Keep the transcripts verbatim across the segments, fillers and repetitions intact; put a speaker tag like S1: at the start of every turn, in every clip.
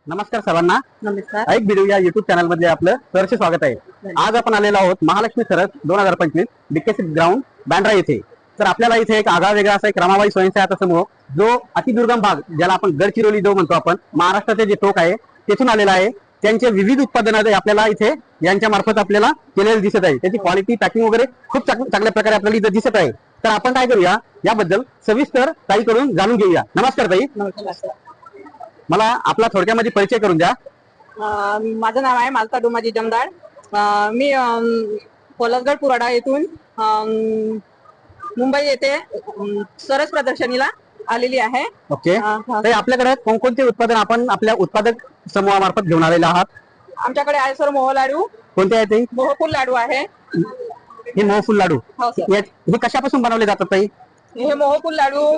S1: नमस्कार सर्वांना.
S2: नमस्कार.
S1: ऐक व्हिडिओ या युट्यूब चॅनल मध्ये आपलं सहर्ष स्वागत आहे. आज आपण आलेलो आहोत महालक्ष्मी सरस दोन हजार पंचवीस डीकेसी ग्राउंड बँड्रा येथे. तर आपल्याला इथे एक आगळा वेगळा असा एक रमाबाई स्वयंसहायता समूह जो अतिदुर्गम भाग ज्याला आपण गडचिरोली जो म्हणतो आपण महाराष्ट्राचे जे टोक आहे तेथून आलेला आहे. त्यांचे विविध उत्पादनं आपल्याला इथे यांच्या मार्फत आपल्याला केलेले दिसत आहे. त्याची क्वालिटी पॅकिंग वगैरे खूप चांगल्या प्रकारे आपल्याला इथे दिसत आहे. तर आपण काय करूया याबद्दल सविस्तर ताईकडून जाणून घेऊया. नमस्कार ताई.
S2: नमस्कार.
S1: मला आपला थोडक्यामध्ये परिचय करून द्या.
S2: अं, माझं नाव आहे मालता डोमाजी जमदार. अं, मी अं, पलसगड पुराडा येथून अं, मुंबई येथे अं, सरस प्रदर्शनीला आलेली आहे.
S1: ओके.
S2: अं, हा.
S1: तर आपल्याकडे कोणकोणते उत्पादन आपण आपल्या उत्पादक समूहामार्फत घेऊन आलेले आहात?
S2: आमच्याकडे आहे सर मोह लाडू,
S1: कोणते आहे ते?
S2: मोहफूल लाडू आहे.
S1: हे मोहफूल लाडू
S2: हो सर.
S1: हे हे कशापासून बनवले जातात ताई?
S2: हे मोहफूल लाडू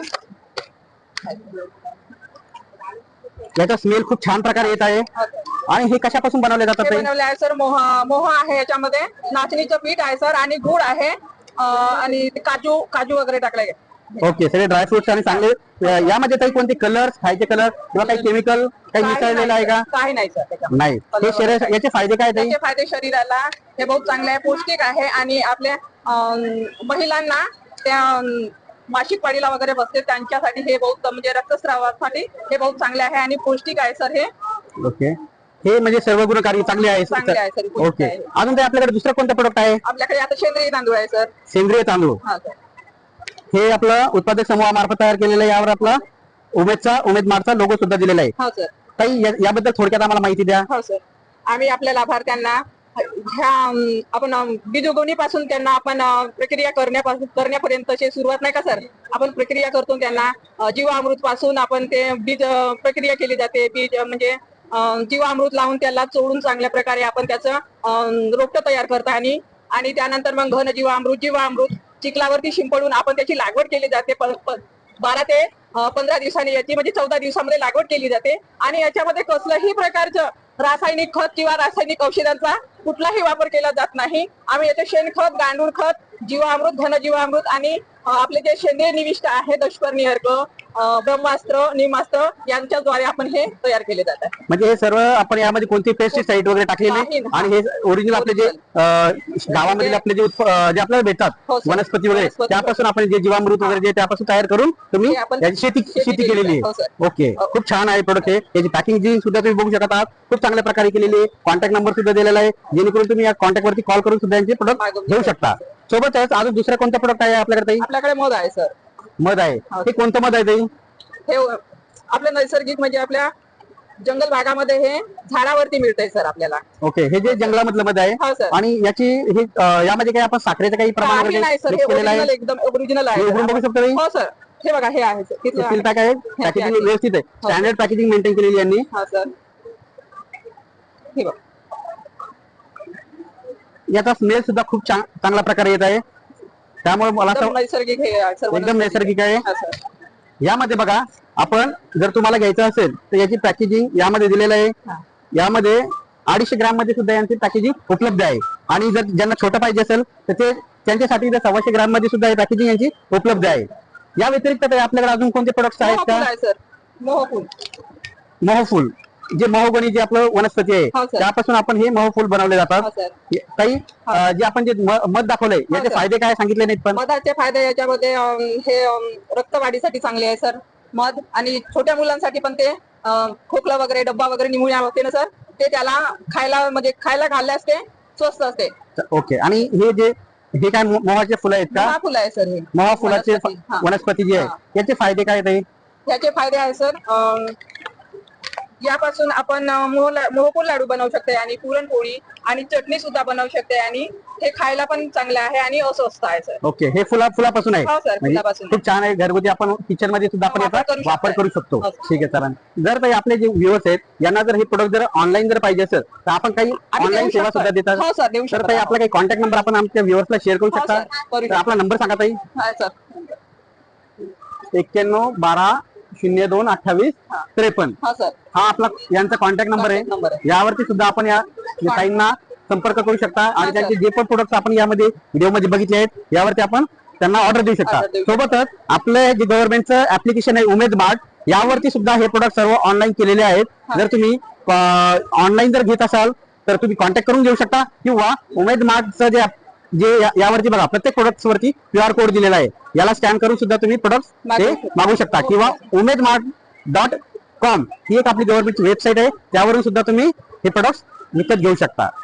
S1: याचा स्मेल खूप छान प्रकारे येत आहे. आणि हे कशापासून बनवले जातात
S2: हे
S1: ताई?
S2: बनवले आहे सर. मोह मोह आहे, याच्यामध्ये नाचणीचं पीठ आहे सर, आणि गुळ आहे, अं, आणि काजू काजू वगैरे टाकले.
S1: ओके. सगळे ड्रायफ्रुट्स आणि चांगले. यामध्ये काही कोणते कलर्स खायचे कलर किंवा काही केमिकल काही मिसळलेलं आहे का?
S2: काही नाही सर त्याच्यात.
S1: नाही. हे शरीर याचे फायदे काय ताई?
S2: त्याचे फायदे शरीराला हे बहुत चांगले आहे, पौष्टिक आहे, आणि आपल्या अं, महिलांना त्या अं, मासिक पाळीला वगैरे बसते त्यांच्यासाठी हे बहुत म्हणजे रक्तस्रावासाठी हे बहुत चांगले आहे आणि पौष्टिक आहे सर हे.
S1: ओके. हे म्हणजे सर्व गुणकारी चांगले आहे.
S2: चांगले आहे सर, पौष्टिक
S1: ओके.
S2: आहे.
S1: अजून ते आपल्याकडे दुसरा कोणता प्रोडक्ट आहे?
S2: आपल्याकडे आता सेंद्रिय तांदूळ आहे सर.
S1: सेंद्रिय तांदूळ.
S2: हा सर.
S1: हे आपलं उत्पादक समूहामार्फत तयार केलेलं आहे. यावर आपला उमेदचा उमेद मार्टचा लोगो सुद्धा दिलेला आहे.
S2: हो सर.
S1: ताई या- याबद्दल थोडक्यात आम्हाला माहिती द्या.
S2: हो सर. आम्ही आपल्या लाभार्थ्यांना ह्या अं, आपण अं, बीज उगवणीपासून त्यांना आपण अं, प्रक्रिया करण्यापासून करण्यापर्यंतची सुरुवात नाही का सर, आपण प्रक्रिया करतो त्यांना अं, जीवामृत पासून आपण ते बीज अं, प्रक्रिया केली जाते. बीज अं, म्हणजे अं, जीवामृत लावून त्याला चोळून चांगल्या प्रकारे आपण त्याचं अं, रोपटं तयार करता, आणि आणि त्यानंतर मग घन जीवामृत जीवामृत चिखलावरती शिंपडून आपण त्याची लागवड केली जाते. प- प- बारा ते अं, पंधरा दिवसांनी याची म्हणजे चौदा दिवसामध्ये लागवड केली जाते. आणि याच्यामध्ये कसलंही प्रकारचं रासायनिक खत किंवा रासायनिक औषधांचा कुठलाही वापर केला जात नाही. आम्ही याचे शेणखत, गांडूळ खत, जीवामृत, घनजीवामृत, आणि अं, आपले जे सेंद्रिय निविष्ट आहे दशपर्णी अर्क, अं, ब्रह्मास्त्र, निमास्त्र यांच्याद्वारे आपण हे तयार केले जातात.
S1: म्हणजे हे सर्व आपण यामध्ये कोणते पेस्टिसाइड वगैरे टाकलेले
S2: नाही.
S1: आणि हे ओरिजिनल आपले जे अं, गावामधील आपले जे उत्प- अं, जे आपल्याला भेटतात
S2: हो सर.
S1: वनस्पती वगैरे
S2: वनस्पती.
S1: त्यापासून आपण जे जीवामृत वगैरे जे त्यापासून तयार करून तुम्ही
S2: हे आपण
S1: याची शेती
S2: शेती
S1: शेती
S2: केलेली
S1: केलेली
S2: आहे. हो
S1: आहे.
S2: सर.
S1: ओके.
S2: हो.
S1: खूप छान आहे प्रोडक्ट हे. याची पॅकिंग सुद्धा तुम्ही बघू शकत आहात. खूप चांगल्या प्रकारे केलेली आहे. कॉन्टॅक्ट नंबर सुद्धा दिलेला आहे जेणेकरून तुम्ही या कॉन्टॅक्ट वरती कॉल करून सुद्धा यांचे प्रोडक्ट
S2: मागवू
S1: घेऊ शकता. सोबतच अजून दुसरा कोणता प्रोडक्ट आहे आपल्याकडे ताई?
S2: आपल्याकडे मध आहे सर.
S1: मध आहे.
S2: हो.
S1: हे कोणतं मध आहे ताई?
S2: हे आपलं नैसर्गिक म्हणजे आपल्या जंगल भागामध्ये हे झाडावरती मिळतंय सर आपल्याला.
S1: ओके. हे जे जंगलामधलं मध आहे
S2: हो सर.
S1: आणि याची हे अं, यामध्ये काही आपण साखरेचं काही प्रमाण
S2: काही
S1: वगैरे
S2: नाही सर, हे
S1: mix केलेलं
S2: ओरिजिनल
S1: आहे?
S2: एकदम ओरिजिनल आहे
S1: हे
S2: सर.
S1: उघडून बघू शकता ताई?
S2: हो सर. हे बघा, हे आहे सर. तिथलं
S1: सील
S2: आहे.
S1: पॅक आहे. पॅकेजिंग व्यवस्थित आहे.
S2: हो.
S1: स्टँडर्ड पॅकेजिंग मेंटेन केलेली यांनी.
S2: हा सर. हे बघा.
S1: याचा स्मेल सुद्धा खूप चांग- चांगल्या प्रकारे येत आहे. त्यामुळे मला
S2: एकदम
S1: असं
S2: नैसर्गिक हे आहे सर.
S1: एकदम नैसर्गिक आहे.
S2: हा सर.
S1: यामध्ये बघा, आपण जर तुम्हाला घ्यायचं असेल तर याची पॅकेजिंग यामध्ये दिलेलं आहे.
S2: हा.
S1: यामध्ये अडीचशे ग्राम मध्ये सुद्धा यांची पॅकेजिंग उपलब्ध आहे. आणि जर ज्यांना छोटं पाहिजे असेल तर ते त्यांच्यासाठी जर सव्वाशे ग्राम मध्ये सुद्धा ही पॅकेजिंग यांची उपलब्ध आहे. या व्यतिरिक्त ताई आपल्याकडे अजून कोणते प्रोडक्ट्स आहेत
S2: मोहफूल
S1: का?
S2: आहे सर. मोहफूल.
S1: मोहफूल जे महोगनी जे आपलं वनस्पती आहे
S2: हो सर.
S1: त्यापासून आपण हे मोहफूल बनवले
S2: हो
S1: जातात.
S2: सर.
S1: काही अं, जे आपण जे म- मध दाखवलंय याचे
S2: सर.
S1: फायदे काय सांगितले नाहीत पण.
S2: मधाचे फायदे याच्यामध्ये अं, हे अं, रक्तवाढीसाठी चांगले आहे सर मध, आणि छोट्या मुलांसाठी पण ते अं, खोकला वगैरे डब्बा वगैरे निमुळ्या होते ना सर, ते त्याला खायला म्हणजे खायला घालल्यास ते स्वस्त असते.
S1: ओके. आणि हे जे हे काय मो- मोहाचे फुलं आहेत का?
S2: महाफुल आहे सर हे.
S1: मोहा फुलाचे
S2: वनस्पती. हा.
S1: वनस्पती जी आहे
S2: हा.
S1: याचे फायदे काय ताई?
S2: याचे फायदे आहे सर. अं, यापासून आपण अं, मोह ला- मोहफूल लाडू बनवू शकते, आणि पुरणपोळी आणि चटणी सुद्धा बनवू शकते, आणि हे खायला पण चांगलं आहे आणि अस्वस्थ आहे सर.
S1: ओके. हे फुला फुलापासून आहे.
S2: हो सर,
S1: म्हणजे
S2: फुलापासून.
S1: खूप छान आहे. घरगुती आपण किचन मध्ये सुद्धा आपण
S2: वापर
S1: याचा
S2: करू
S1: वापर
S2: शकतो.
S1: करू शकतो.
S2: हो सर.
S1: ठीक आहे सर. जर ताई आपले जे व्ह्युअर्स आहेत यांना जर हे प्रोडक्ट जर ऑनलाईन जर पाहिजे असेल तर आपण काही
S2: आम्ही
S1: ऑनलाईन
S2: देऊ
S1: सेवा
S2: शकतो.
S1: सुद्धा देतात.
S2: हो सर, देऊ
S1: तर
S2: शकतो.
S1: ताई आपला काही कॉन्टॅक्ट नंबर आपण आमच्या व्ह्युअर्सला शेअर करू
S2: हो
S1: शकता?
S2: सर, करू
S1: तर आपला नंबर सांगा ताई.
S2: हा सर.
S1: एक्क्याण्णव बारा शून्य दोन अठ्ठावीस त्रेपन्न
S2: हा सर.
S1: हा आपला यांचा कॉन्टॅक्ट नंबर
S2: Contact number
S1: आहे.
S2: आहे.
S1: यावरती सुद्धा आपण या ताईंना संपर्क करू शकता आणि
S2: हा,
S1: त्यांचे
S2: सर.
S1: जे पण प्रोडक्ट्स आपण यामध्ये व्हिडिओ मध्ये बघितले आहेत यावरती आपण त्यांना ऑर्डर देऊ शकता.
S2: Order देऊ शकता.
S1: सोबतच आपलं जे गव्हर्नमेंटचं ऍप्लिकेशन आहे उमेद मार्ट यावरती सुद्धा हे प्रोडक्ट सर्व ऑनलाईन केलेले आहेत.
S2: हा.
S1: जर तुम्ही ऑनलाईन जर घेत असाल तर तुम्ही कॉन्टॅक्ट करून घेऊ शकता, किंवा उमेद मार्टचं जे जे या- यावरती बघा प्रत्येक प्रोडक्ट वरती क्यू आर कोड दिलेला आहे, याला स्कॅन करून सुद्धा तुम्ही प्रोडक्ट
S2: मागवू
S1: ते
S2: शकता.
S1: मागू शकता, किंवा उमेद मार्ट डॉट कॉम ही एक आपली गव्हर्नमेंटची वेबसाईट आहे, त्यावरून सुद्धा तुम्ही हे प्रोडक्ट विकत घेऊ शकता.